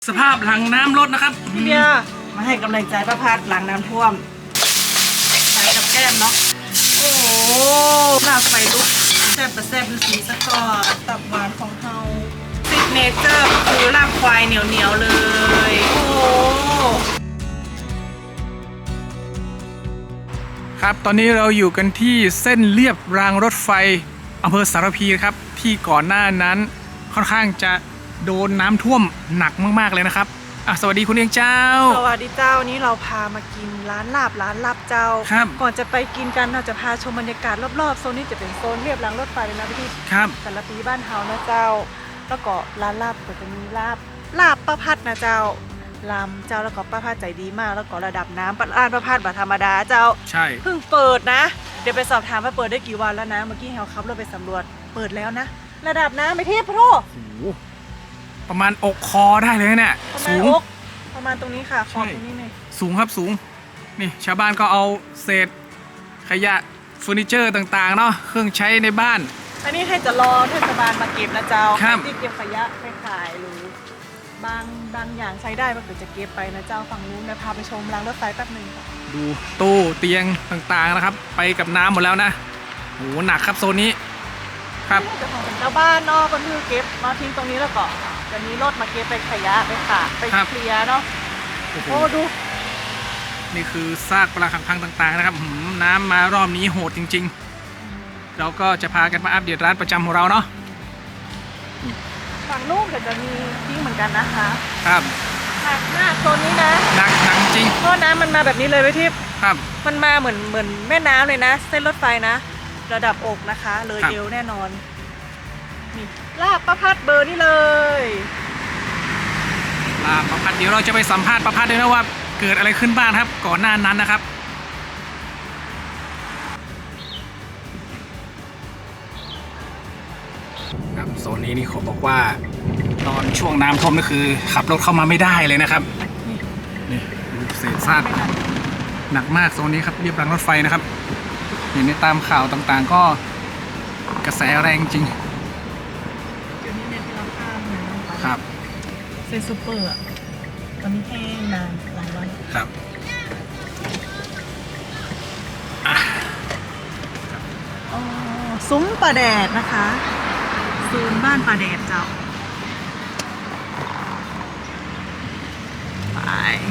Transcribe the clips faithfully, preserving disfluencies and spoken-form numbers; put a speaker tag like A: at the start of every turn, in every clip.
A: สภาพหลังน้ำลดนะครับ
B: พี่เบียร์มาให้กำลังใจป้าพัดหลังน้ำท่วมใส่กับแก้มเนาะโอ้โหลาบไฟลุกแซ่บแต่แซ่บดูสีสะกอตับหวานของเฮาซิกเนเจอร์คือลาบควายเหนียวเหนียวเลยโอ้
A: ครับตอนนี้เราอยู่กันที่เส้นเลียบรางรถไฟอำเภอสารพีครับที่ก่อนหน้านั้นค่อนข้างจะโดนน้ำท่วมหนักมากๆเลยนะครับอ่ะสวัสดีคุณเอียงเจ้า
B: สวัสดีเจ้านี้เราพามากินร้านลาบร้านลาบเจ้า
A: ครับ
B: ก่อนจะไปกินกันเราจะพาชมบรรยากาศรอบๆโซนนี้จะเป็นโซนเรียบรางรถไฟเลยนะพี่
A: ครับ
B: แต่ละปีบ้านเฮานะเจ้าแล้วก็ร้านลาบก็จะมีลาบลาบป้าพัดนะเจ้าลำเจ้าแล้วก็ป้าพัดใจดีมากแล้วก็ระดับน้ำร้านป้าพัดแบบธรรมดาเจ้า
A: ใช่
B: เพิ่งเปิดนะเดี๋ยวไปสอบถามว่าเปิดได้กี่วันแล้วนะเมื่อกี้เฮาขับรถไปสำรวจเปิดแล้วนะระดับน้ำไม่เทียบพะโท
A: ประมาณอกคอได้เลยเนี่ย
B: สูงประมาณตรงนี้ค่ะขอบตรงนี้เลย
A: สูงครับสูงนี่ชาวบ้านก็เอาเศษขยะเฟอร์นิเจอร์ต่างๆเนาะเครื่องใช้ในบ้าน
B: อันนี้ให้จะรอเทศบาลมาเก็บนะเจ้าที่เก็บขยะไปขายหรือบางบางอย่างใช้ได้มันก็จะเก็บไปนะเจ้าฝั่งนู้นนะพาไปชมรางรถไฟแป๊บนึงค่ะ
A: ดูตู้เตียงต่างๆนะครับไปกับน้ำหมดแล้วนะโหหนักครับโซนนี้ครับ
B: จะของเจ้าบ้านเนาะก็คือเก็บมาทิ้งตรงนี้แล้วก็จะมีรถมาเก็บไปขยะไปขายไปเคลียร์เนาะโอ้ดู
A: นี่คือซากปรักหักพังต่างๆนะครับน้ำมารอบนี้โหดจริงๆเราก็จะพากันมาอัปเดตร้านประจำของเราเนาะ
B: ฝั่งนู้นก็จะมีทิ้งเหมือนกันนะคะ
A: ครับ
B: หนักมากโซนนี้นะ
A: หนักหนักจริง
B: เพราะน้ำมันมาแบบนี้เลยไปทิพย์
A: ครับ
B: มันมาเหมือนเหมือนแม่น้ำเลยนะเส้นรถไฟนะระดับอกนะคะเลยเอวแน่นอนนี่ลาบป้าพัดเบอร์นี่เลย
A: ลาบป้าพัดเดี๋ยวเราจะไปสัมภาษณ์ป้าพัดด้วยนะว่าเกิดอะไรขึ้นบ้างครับก่อนหน้านั้นนะครับครับโซนนี้นี่เขาบอกว่าตอนช่วงน้ำท่วมนี่คือขับรถเข้ามาไม่ได้เลยนะครับนี่ดูเศษซากหนักมากโซนนี้ครับเรียบรางรถไฟนะครับเห็นในตามข่าวต่างๆก็กระแสแรงจริง
B: เดี๋ยวนี้เนี่ยที่เราข้ามเนี่ย
A: ครับ
B: เซนซูเปอร์อ่ะตอนนี้แห้งนานหลายวัน
A: ครับ
B: อ๋อซุ้มปลาแดดนะคะซูนบ้านปลาแดดเจ้าไป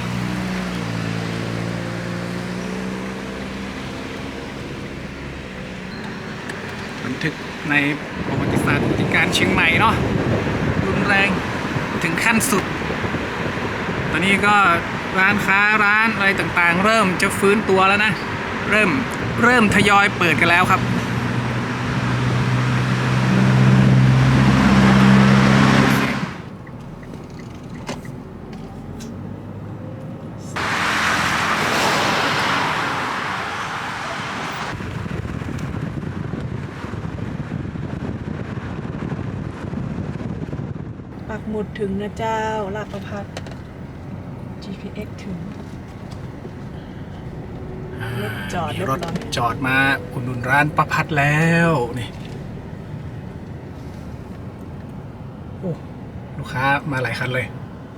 A: บันทึกในประวัติศาสตร์ที่การเชียงใหม่เนาะรุนแรงถึงขั้นสุดตอนนี้ก็ร้านค้าร้านอะไรต่างๆเริ่มจะฟื้นตัวแล้วนะเริ่มเริ่มทยอยเปิดกันแล้วครับ
B: ปักหมุดถึงนะเจ้าลาดประพัด จี พี เอ็กซ์ ถึงรถจอด
A: รถจอดมาอุดหนุนร้านประพัดแล้วนี่โอ้ลูกค้ามาหลายคันเลย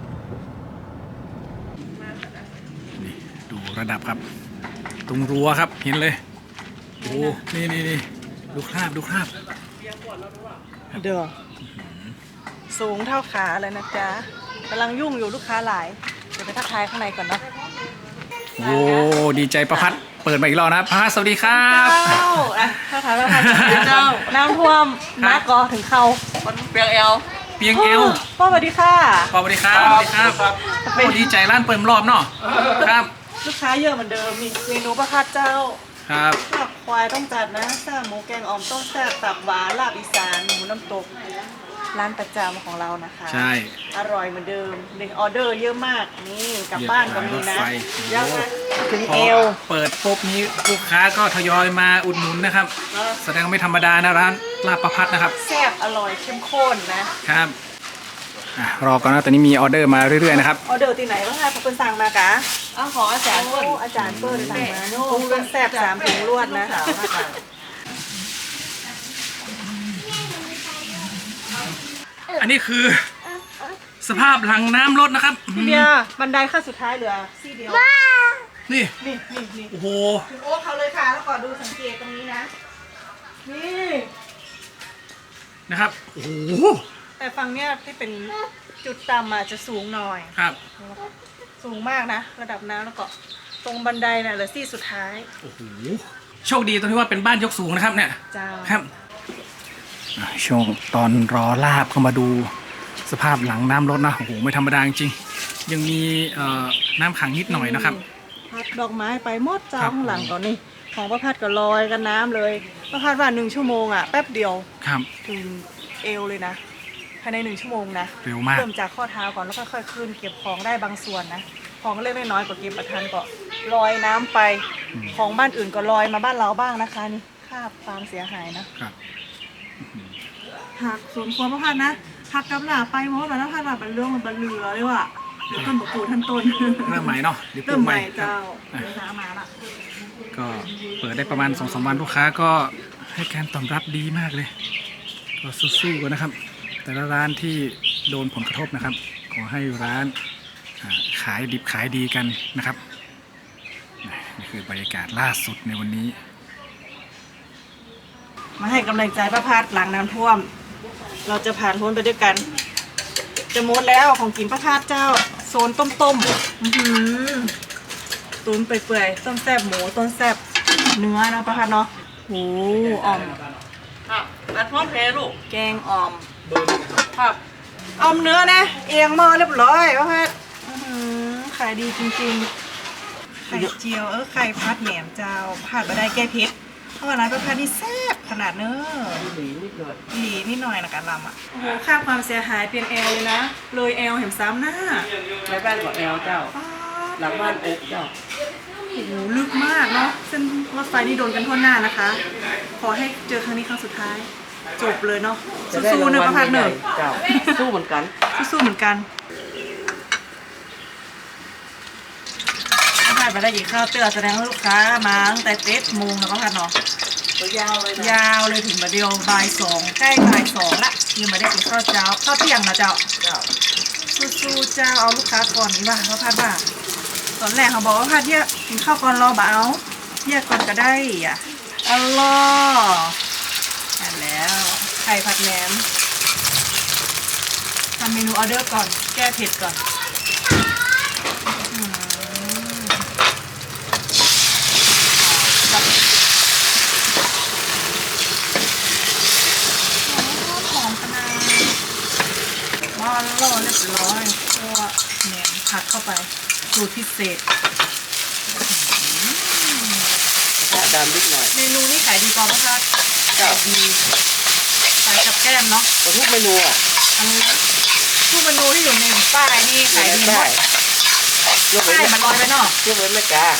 A: นี่ดูระดับครับตรงรั้วครับเห็นเลยโอ้นี่นี่นี่ดูคราบดูคราบ
B: เด้อสูงเท่าขาเลยนะจ๊ะกำลังยุ่งอยู่ลูกค้าหลายเดี๋ยวไปทักทายข้างในก่อนเนาะ
A: โอ้ดีใจประพัดเปิดมาอีกรอบนะประพัดสวัสดีครับ
B: เจ้าอ่ะทักทายประพัดเจ้าน้ำท่วมมากก็ถึงเข่าเปียงเอว
A: เปียงเอว
B: พ่อสวัสดีค่ะ
A: พ่อสวัสดีครับสวัสดีครับโอ้ดีใจร้านเปิดรอบเนาะครับ
B: ลูกค้าเยอะเหมือนเดิมมีเมนูประพัดเจ้า
A: ครับ
B: ลาบควายต้องจัดนะแซ่บหมูแกงอ่อมต้มแซ่บตับหวานลาบอีสานหมูน้ำตกร้านประจำของเรานะคะ
A: ใช่
B: อร่อยเหมือนเดิมเลยออเดอร์เยอะมากนี่กลับบ้านก็มีนะเยอะนะถึงเอว
A: เปิดปุ๊บนี้ลูกค้าก็ทยอยมาอุดหนุนนะครับแสดงไม่ธรรมดานะร้านลาบประพัดนะครับ
B: แซ่บอร่อยเข้มข้นนะครับ
A: รอก่อนนะตอนนี้มีออเดอร์มาเรื่อยๆนะครับ
B: ออเดอร์ที่ไหนบ้างคะพอเป็นสั่งมากะ
C: อ้าวขออาจารย์เปิ้ล
B: อาจารย์เปิ้ลสั่งมาโน่เป็นแซ่บสามถุงรวดนะ
A: อันนี้คือสภาพหลังน้ำลดนะครับ
B: พี่เบียร์บันไดขั้นสุดท้ายเหลือซี่เดียว
A: นี่
B: นี่นี่นี่
A: โอ้โห
B: ถึงโอ๊คเขาเลยค่ะแล้วก็ดูสังเกตตรงนี้นะ นี่
A: นะครับโอ้โห
B: แต่ฝั่งเนี้ยที่เป็นจุดต่ำอาจจะสูงหน่อย
A: ครับ
B: สูงมากนะ ระดับน้ำแล้วก็ตรงบันไดน่ะเหลือซี่สุดท้าย
A: โอ้โหโชคดีตรงที่ว่าเป็นบ้านยกสูงนะครับเนี่ย
B: เจ้า
A: ครับอ่ะช่วงตอนรอลาบเข้ามาดูสภาพหลังน้ำลดนะโอ้โหไม่ธรรมดาจริงๆยังมีเอ่อน้ำขังนิดหน่อยนะครับ
B: พัดดอกไม้ไปหมดเจ้า
A: ครับ
B: ข้างหลังก่อนนี่ของประพัดก็ลอยกันน้ำเลยประพัดว่าหนึ่งชั่วโมงอ่ะแป๊บเดียว
A: ครับ
B: ถึงเอวเลยนะภายในหนึ่งชั่วโมงนะ
A: เร็วมาก
B: เริ่มจากข้อเท้าก่อนแล้วค่อยๆขึ้นเก็บของได้บางส่วนนะของเล็กน้อยๆก็เก็บประทันก็ลอยน้ำไปของบ้านอื่นก็ลอยมาบ้านเราบ้างนะคะนี่ค่าความเสียหายนะครับ หักสวนครัวพระพันนะหักกำหนาไปมดแล้วพระพันแบบเป็นเรื่องมันบรรเลือเลยว่ะเดี๋ยวต้นบกปูท่านต้น
A: เริ่มใหม่เนาะเดี๋ยวปลู
B: เริ่
A: ก
B: ม
A: ให
B: ให
A: ม่
B: ม่
A: ครับ
B: เจ้า
A: อ่ะ
B: เดินทางมาละ
A: ก็เปิดได้ประมาณสองสามวันลูกค้าก็ให้การตอบรับดีมากเลย ก็สู้ๆกันนะครับ แต่ละร้านที่โดนผลกระทบนะครับ ขอให้ร้านอ่าขายดิบขายดีกันนะครับนี่คือบรรยากาศล่าสุดในวันนี้
B: มาให้กำลังใจพระพัดหลังน้ำท่วม เราจะผ่านพ้นไปด้วยกัน จะหมดแล้วของกินพระพัดเจ้าโซนต้มต้มๆอื้อหือตุ๋นเปื่อยๆต้มแซ่บหมูต้มแซ่บเนื้อนะพระพัดเนาะโหอ่อม
C: ครับอัดพร้อมเพย์ลูก
B: แกงอ่อม
C: ครับ
B: อ่อมเนื้อนะเอียงหม้อเรียบร้อยพระพัดอื้อหือขายดีจริงๆไข่เจียวเออไข่พัดแหนมเจ้าผัดมาได้แก้เผ็ดเพราะว่าร้านพระพัดนี่แซ่บขนาดเนอะ
C: หลีนิดหน่อย
B: หลีนิดหน่อยนะการลำอ่ะ โอ้โห ค่าความเสียหายเปลี่ยนแอลเลยนะ เลยแอลเห็นซ้ำหน้า
C: ในบ้านบอกแอลเจ้า
B: ป๊าด
C: หลังบ้านอกเจ้า
B: โอ้โห ลึกมากเนาะ เส้นรถไฟนี่โดนกันทั่วหน้านะคะ ขอให้เจอครั้งนี้ครั้งสุดท้าย จบเลยเนาะ
C: จะได้
B: สู้ๆเนอะประพัดเนอะ
C: เจ้า สู้เหมือนกัน
B: สู้ๆเหมือนกันประพัดมาได้ยินข้าวเตือนแสดงว่าลูกค้ามาตั้งแต่เจ็ดโมงแล้วประพัดเนาะ
C: ตัวยาวเลยนะ
B: ยาวเลยถึงมาเดียวบ่ายสองใกล้บ่ายสองละยังไม่ได้กินข้าวเช้าข้าวเที่ยงนะเจ้า
C: เจ้า
B: สู้ๆเจ้าเอาลูกค้าก่อนนี่ว่าเขาพัดว่าตอนแรกเขาบอกว่าพัดเยอะกินข้าวก่อนรอบ่เอาเยอะก่อนก็ได้อ่ะอัลลอฮ์อ่านแล้วไข่ผัดแหนมทำเมนูออเดอร์ก่อนแก้เผ็ดก่อนอืมแบบหอมขนาดว้าวแล้วเรียบร้อยตัวแหนมผัดเข้าไปสูตรพิเศษ
C: กระดานนิดหน่อย
B: เมนูนี้ขายดีกว่าพัด
C: เจ้า
B: ดีขายกับแก้มเนาะ
C: แต่ทุกเมนูอ่ะ
B: อันนี้ทุกเมนูที่อยู่ในป้ายนี่ขายดีหม
C: ได้
B: ด
C: ยกเว้น
B: ป้ายมันลอยไปเนาะ
C: ยกเว้นแม่กา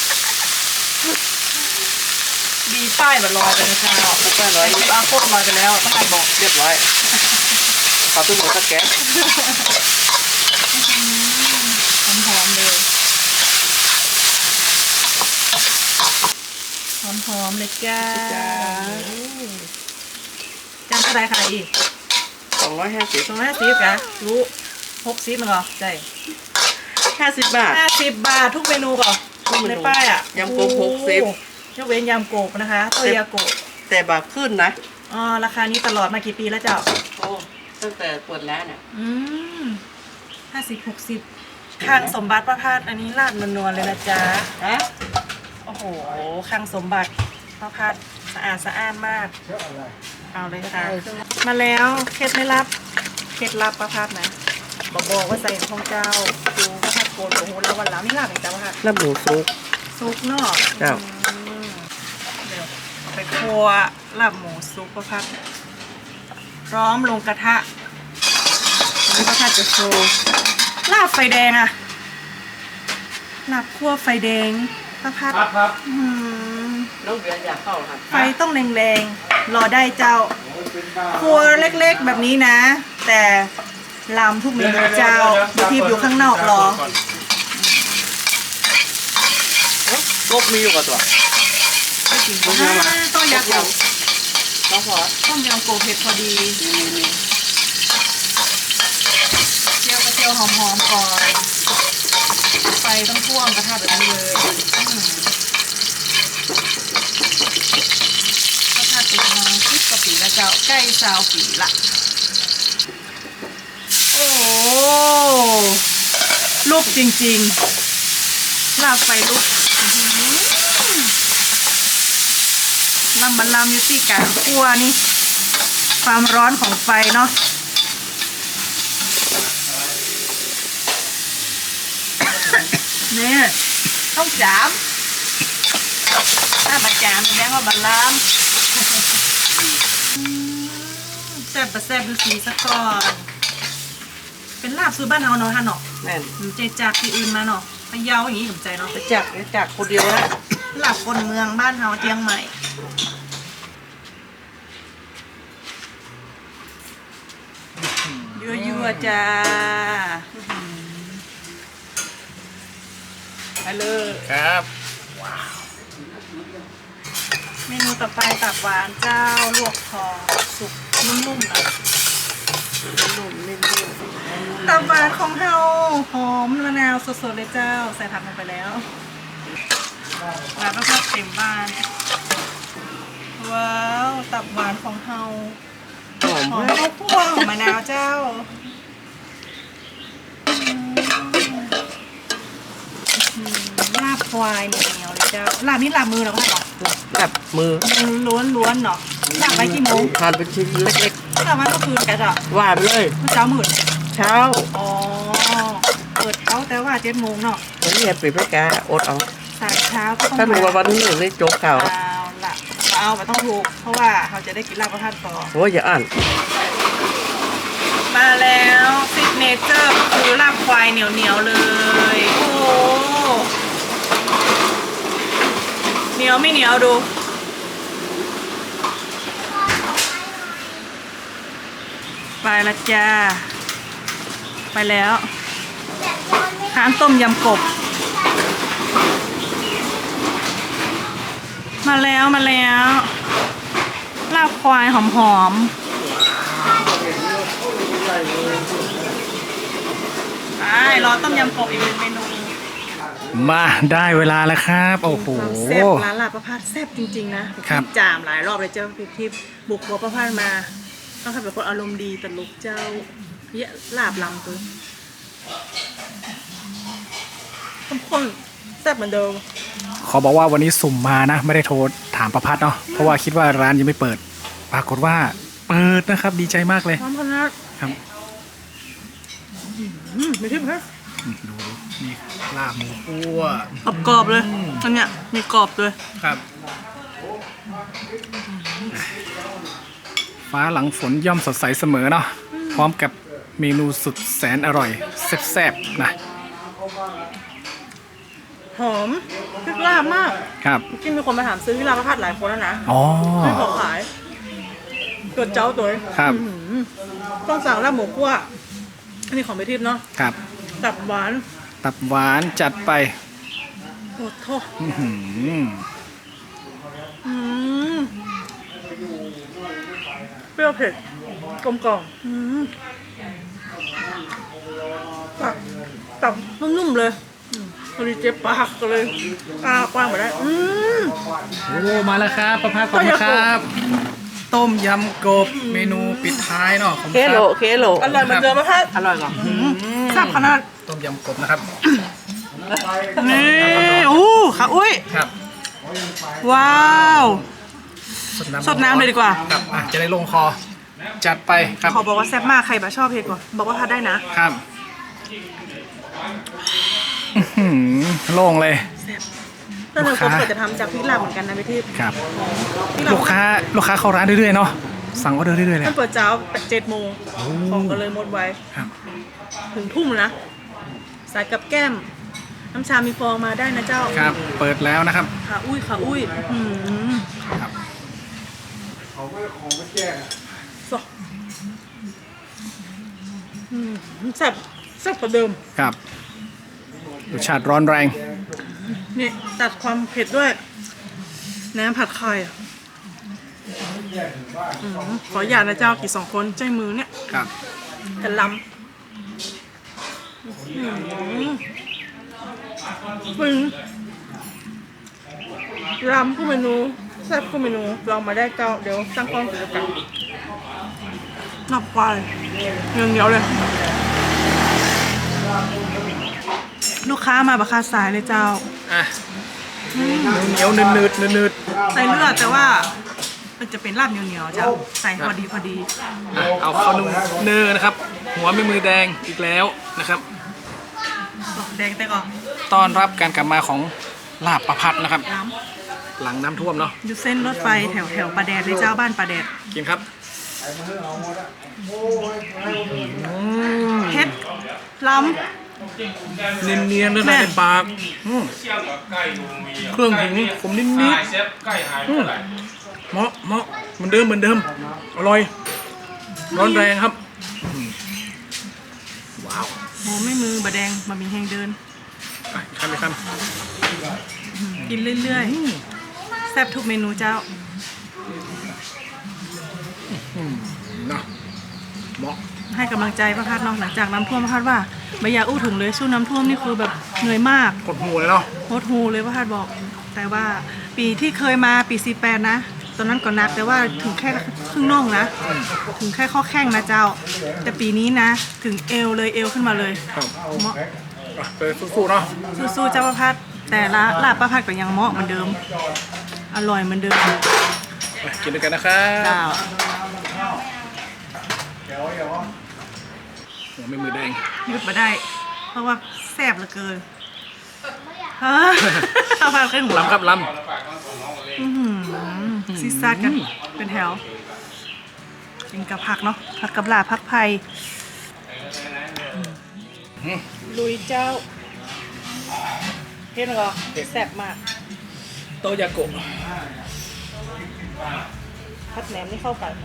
B: ดีป้ายมันลอยไปนะจ๊ะ
C: ทุกแม่น้อย
B: แต่อาโคตรลอยไปแล้วต้องไปบอก
C: เรียบร้อยขอตุ้งหมูสักแก๊ส
B: หอมๆเลยหอมๆเลยจ้าจานเท่าไรขายอีก
C: สองร้อยห้าสิบ
B: สองร้อยห้าสิบนะรู้หกสิบมั้งเหรอใช่
C: ห้าสิบบาท
B: ห้าสิบบาททุกเมนูก่อน
C: ทุกเมนู
B: ในป้ายอ่ะ
C: ยำโกบหกสิบ
B: โอ้ยกเว้นยำโกบนะคะตัวยาโกบ
C: แต่บาทขึ้นนะ
B: อ๋อราคานี้ตลอดมากี่ปีแล้วเจ้า
C: โอ้ตั้งแต่เปิดร้านเนี่ย
B: อืมห้าสิบหกสิบข้างสมบัติประพาสอันนี้ลาดนวลๆเลยนะจ๊ะ
C: ฮะ
B: โอ้โหข้างสมบัติประพาสสะอาดสะอ้านมาก เอาเลยค่ะ มาแล้วเคล็ดไม่ลับเคล็ดลับประพาสนะบอกบอกว่าใส่ทองเจ้าดูประพาสโกนโอ้โหแล้ววันหลังนี่ลาบอย่างจ้าประพาส
C: น้ำหมูซุป
B: ซุปเนาะ
C: เจ้า
B: อืมเดี๋ยวไปครัวลาบหมูซุปประพาสพร้อมลงกระทะนี่ประพาสจะโชว์ลาบไฟแดงอะลาบคั่วไฟแดงประพาส
A: ครับครับ
B: อื้อหือ
C: น้องเบียร์อยากเข้าเหรอครับ
B: ไฟต้องแรงๆ รอได้เจ้า ครัวเล็กๆแบบนี้นะ แต่ลำทุกเมนูเจ้าทีบอยู่ข้างนอกรอ
C: เอ้ยกบมีอยู่กับตัว
B: ไม่จริงอ่าต้มยำโกบ
C: น้องพอ
B: ต้มยำโกบเผ็ดพอดี
C: มีมี
B: เจียวยวหอมๆก่อนไฟต้องท่วมกระทะแบบนี้เลยกระทะติดมาสิบกว่าปีแล้วเจ้าใกล้สาวปีละโอ้ลุกจริงๆลาบไฟลุกลำมันลำอยู่ที่การคั่วนี่ความร้อนของไฟเนาะเนี่ยต้องจามถ้ามาจามแสดงว่าบัลลามแซ่บประแซ่บดูสีซะก่อนเป็นลาบซื้อบ้านเฮาเนาะท่านเนาะ
C: แม่น
B: หรือใจจากที่อื่นมาเนาะพะเยาอย่างนี้ผมใจเนาะ
C: ไปจักไปจักคนเดียวนะ
B: ลาบคนเมืองบ้านเฮาเชียงใหม่ยั่วๆจ้าไปเลย
A: ครับ
B: เมนูต่อไปตับหวานเจ้าลวกคอสุกนุ่มๆนะนุ่มๆนิ่มๆตับหวานของเฮาหอมมะนาวสดๆเลยเจ้าใส่ผักลงไปแล้วหวานมากๆเต็มบ้านว้าวตับหวานของเฮา
C: หอม
B: หอม
C: มาก
B: ข้าวคั่วหอมมะนาวเจ้าอืมลาบควายเหนียวๆเลยเจ้าลาบนี่ลาบมือเหรอคะหรอ
C: แบบมือ
B: ล้วนล้วนๆเนาะลาบไปกี่โมง
C: ทานเป็นชิ้นเล็ก
B: ลาบมาก็คืนกันอ่ะ
C: ๆว่าไปเลย
B: เมื่อเช้าหมื่น
C: เช้า
B: อ๋อเปิดเขาแต่ว่าเจ็ดโมงเนาะ
C: วันนี้ปิดไปกาอดเอา
B: สายเช้าก็ต้อง
C: ถ้ามีวันวันหนึ่งนี่โจ๊กเก่า
B: เอาละเอาไปต้องถูกเพราะว่าเขาจะได้กินลาบประทานต่อ
C: โอ้ยอย่าอ่าน
B: มาแล้วซิกเนเจอร์คือลาบควายเหนียวเหนียวๆเลย โอ้โหเหนียวไม่เหนียวดู ไปละจ้า ไปแล้วร้านต้มยำกบ มาแล้วมาแล้วลาบควายหอมๆไปรอต้มยำกบอีกหนึ่งเมนู
A: มาได้เวลาแล้วครับ โอ้โห
B: ความแซ่บร้านลาบประพาสแซ่บจริงๆนะ
A: ครับ
B: จามหลายรอบเลยเจ้าพี่ทิพย์บุกบัวประพาสมาต้องทำเป็นคนอารมณ์ดีตลกเจ้าเยอะลาบลำตัวเข้มข้นแซ่บเหมือนเดิม
A: ขอบอกว่าวันนี้สุ่มมานะ ไม่ได้โทรถามประพัดเนาะเพราะว่าคิดว่าร้านยังไม่เปิด ปรากฏว่าเปิดนะครับ ดีใจมากเลย
B: พร้อมขนาด
A: ครับ
B: อืมไม่ทิพย์ฮะ
A: อืมดูดูนี่ลาบหมูคั่ว
B: กรอบๆเลยอันเนี้ยมีกรอบเลย
A: ครับ ฟ้าหลังฝนย่อมสดใสเสมอเนาะพร้อมกับเมนูสุดแสนอร่อยแซ่บๆนะ
B: หอมพริกลาบมาก
A: ครับ
B: ที่มีคนมาถามซื้อที่ลาบประพาสหลายคนแล้วนะ
A: อ๋อ
B: ไม่ขอขายตัวเจ้าตัว
A: ครับ
B: อื้อหือต้องสั่งลาบหมูคั่วอันนี้ของไปทิพย์เนาะ
A: ครับ
B: ตับหวาน
A: ตับหวานจัดไป
B: โอ้โห
A: อื้อหือ
B: อืมเปรี้ยวเผ็ดกลมกล่อมอืมตับตับนุ่มๆเลยอืมพอดีเจ็บปากก็เลยอ้ากว้างไปได้อืม
A: โอ้มาแล้วครับประภาสขอบคุณครับ ต้มยำกบเมนูปิดท้ายเนาะของ
C: เคโลเคโล
B: อร่อยเหมือนเดิมไหมคะ
C: อร่อยกว่า
B: แซ่บขนาด
A: ต้มยำกบนะครับ
B: นี่อู้ค่ะอุ้ย
A: ครับ
B: ว้าว
A: สดน้ำ
B: สดน้ำเลยดีกว่า
A: ครับอ่ะจะได้ลงคอ จัดไปครับ
B: ขอบอกว่าแซ่บมากใครแบบชอบเผ็ดกว่าบอกว่าทานได้นะครับ
A: อื้อหือโล่งเลย
B: แต่หนึ่ง
A: ลู
B: ค
A: ก
B: น
A: ค้า
B: เปิดจะทำจากพริกลาบเหมือนกันนะพี่ทิพย์
A: ครับ
B: พริกลาบ
A: ลูกค้าลูกค้าเข้าร้านเรื่อยๆเนาะสั่งออเดอร์เรื่อยๆเลย
B: มันเปิดเช้าเจ็ดโมงของก็เลยหมดไว
A: ครับ
B: ถึงทุ่มนะสายกับแก้ม น้ำชามีฟองมาได้นะเจ้า
A: ครับ เปิดแล้วนะครับ
B: ขาอุ้ยขาอุ้ยอืม
A: ครับ
B: สดอืมแซ่บแซ่บกว่าเดิม
A: ครับรสชาติร้อนแรง
B: นี่ตัดความเผ็ดด้วยน้ำผัดไข่อะอืมขออย่าตนะเจ้ากี่สองคนใจมือเนี่ย
A: ครับ
B: แต่ลปึงรำผู้เมนูแซ่บผู้เมนูลองมาได้เจ้าเดี๋ยวสร้างกล้องกิจกรรมนอกควายเงี้ยวเงี้ยวเลยลูกค้ามาบักคาสายเลยเจ้า
A: อ่ะเหนียวๆนืดๆนืด
B: ใส่เลือดแต่ว่ามันจะเป็นลาบเหนียวๆเจ้าใส่พอดีพอดี
A: ๆอ่ะเอาข้าวนุ่มเนอนะครับ หัวไม่มือแดงอีกแล้วนะครับ
B: แดงแต่ก่อน
A: ต้อนรับการกลับมาของลาบประพัดนะครับ
B: น้
A: หลังน้ำท่วมเนาะ
B: ำอยู่เส้นรถไฟแถวแถวปลาแดดเลยเจ้าบ้านปลาแดด
A: กินครับ
B: เผ็ดล้
A: เนียนๆเลยนะในปากอืมเครื่องถึงผมนิดๆอืมเหมาะเหมาะเหมือนเดิมเหมือนเดิมอร่อยร้อนแรงครับอืมว้าว
B: ำโหไม่มือบะแดงบะหมี่แห้งเดิน
A: อ่ะคำไปค
B: กินเรื่อยๆแซ่บทุกเมนูเจ้า
A: ำอืมเนาะเหมาะ
B: ให้กำลังใจพระพัดเนาะหลังจากน้ำท่วมพระพัดว่าไม่อยากอู้ถุงเลยสู้น้ำท่วมนี่คือแบบเหนื่อยมาก
A: กดหูเลยเนาะ
B: โหดหูเลยพระพัดบอก แต่ว่าปีที่เคยมาปีสี่แปดนะตอนนั้นก็หนักแต่ว่าถึงแค่ครึ่งน่องนะ ถึงแค่ข้อแข้งนะเจ้า แต่ปีนี้นะ ถึงเอวเลยเอวขึ้นมาเลย
A: ครับ
B: เหมาะ
A: อ่ะไปสู้ๆเนาะ
B: สู้ๆเจ้าพระพัดแต่ละลาบพระพัดก็ยังเหมาะเหมือนเดิม อร่อยเหมือนเดิม
A: ไปกินด้วยกันนะครับ
B: เจ้า
A: หัวไม่มือแดง
B: หยุดมาได้ เพราะว่าแซ่บเหลือเกินฮะพระพัดขึ้นหัว
A: ลำครับล
B: อื้อหือซีซาดกันเป็นแถวกินกับผักเนาะผักกับลาผักไผ่ลุยเจ้าเห็นเหรอแซ่บมาก
A: ำโตยาโกะ
B: ผัดแหนมนี่เข้ากัน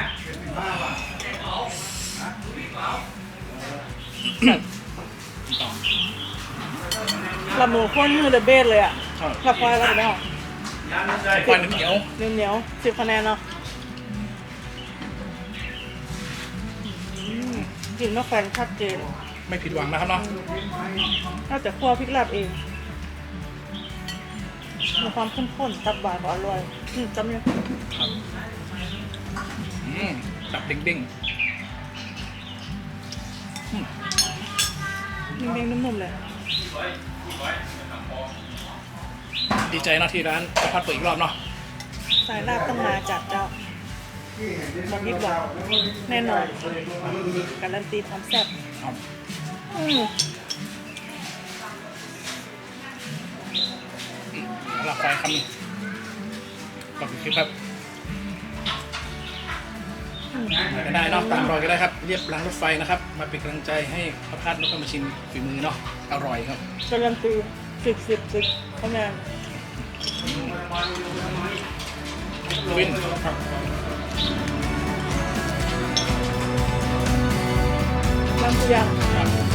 B: ละหมูข้นมือเดอะเบสเลยอ่ะกับควายแล้วเนาะ
A: ควันเหนียว
B: เหนียวเหนียวสิบคะแนนเนาะกลิ่นมะแขวนชัดเจน
A: ไม่ผิดหวังนะครับเนาะ
B: น่าจะคั่วพริกลาบเองมีความเข้มข้นตับหวานก็อร่อยอืมจำยัง
A: อืมตับเด้ง
B: เด้งๆนุ่มๆเลย
A: ๆดีใจเนาะที่ร้านประพัดเปิดอีกรอบเนาะ
B: สายลาบต้องมาจัดเจ้าหมดยิบหวังแน่นอนการันตีความแซ่บ
A: เอา
B: อืม
A: แล้วเราคอยคำหนึงขอบคุณคลิปครับมาก็ได้เนาะตามรอยก็ได้ครับเรียบรางรถไฟนะครับ มาเป็นกำลังใจให้ประพัดแล้วก็มาชิมฝีมือเนาะอร่อยครับ
B: การันตีสิบสิบสิบคะแนน
A: วิน
B: น้ำเสียง
A: ครับ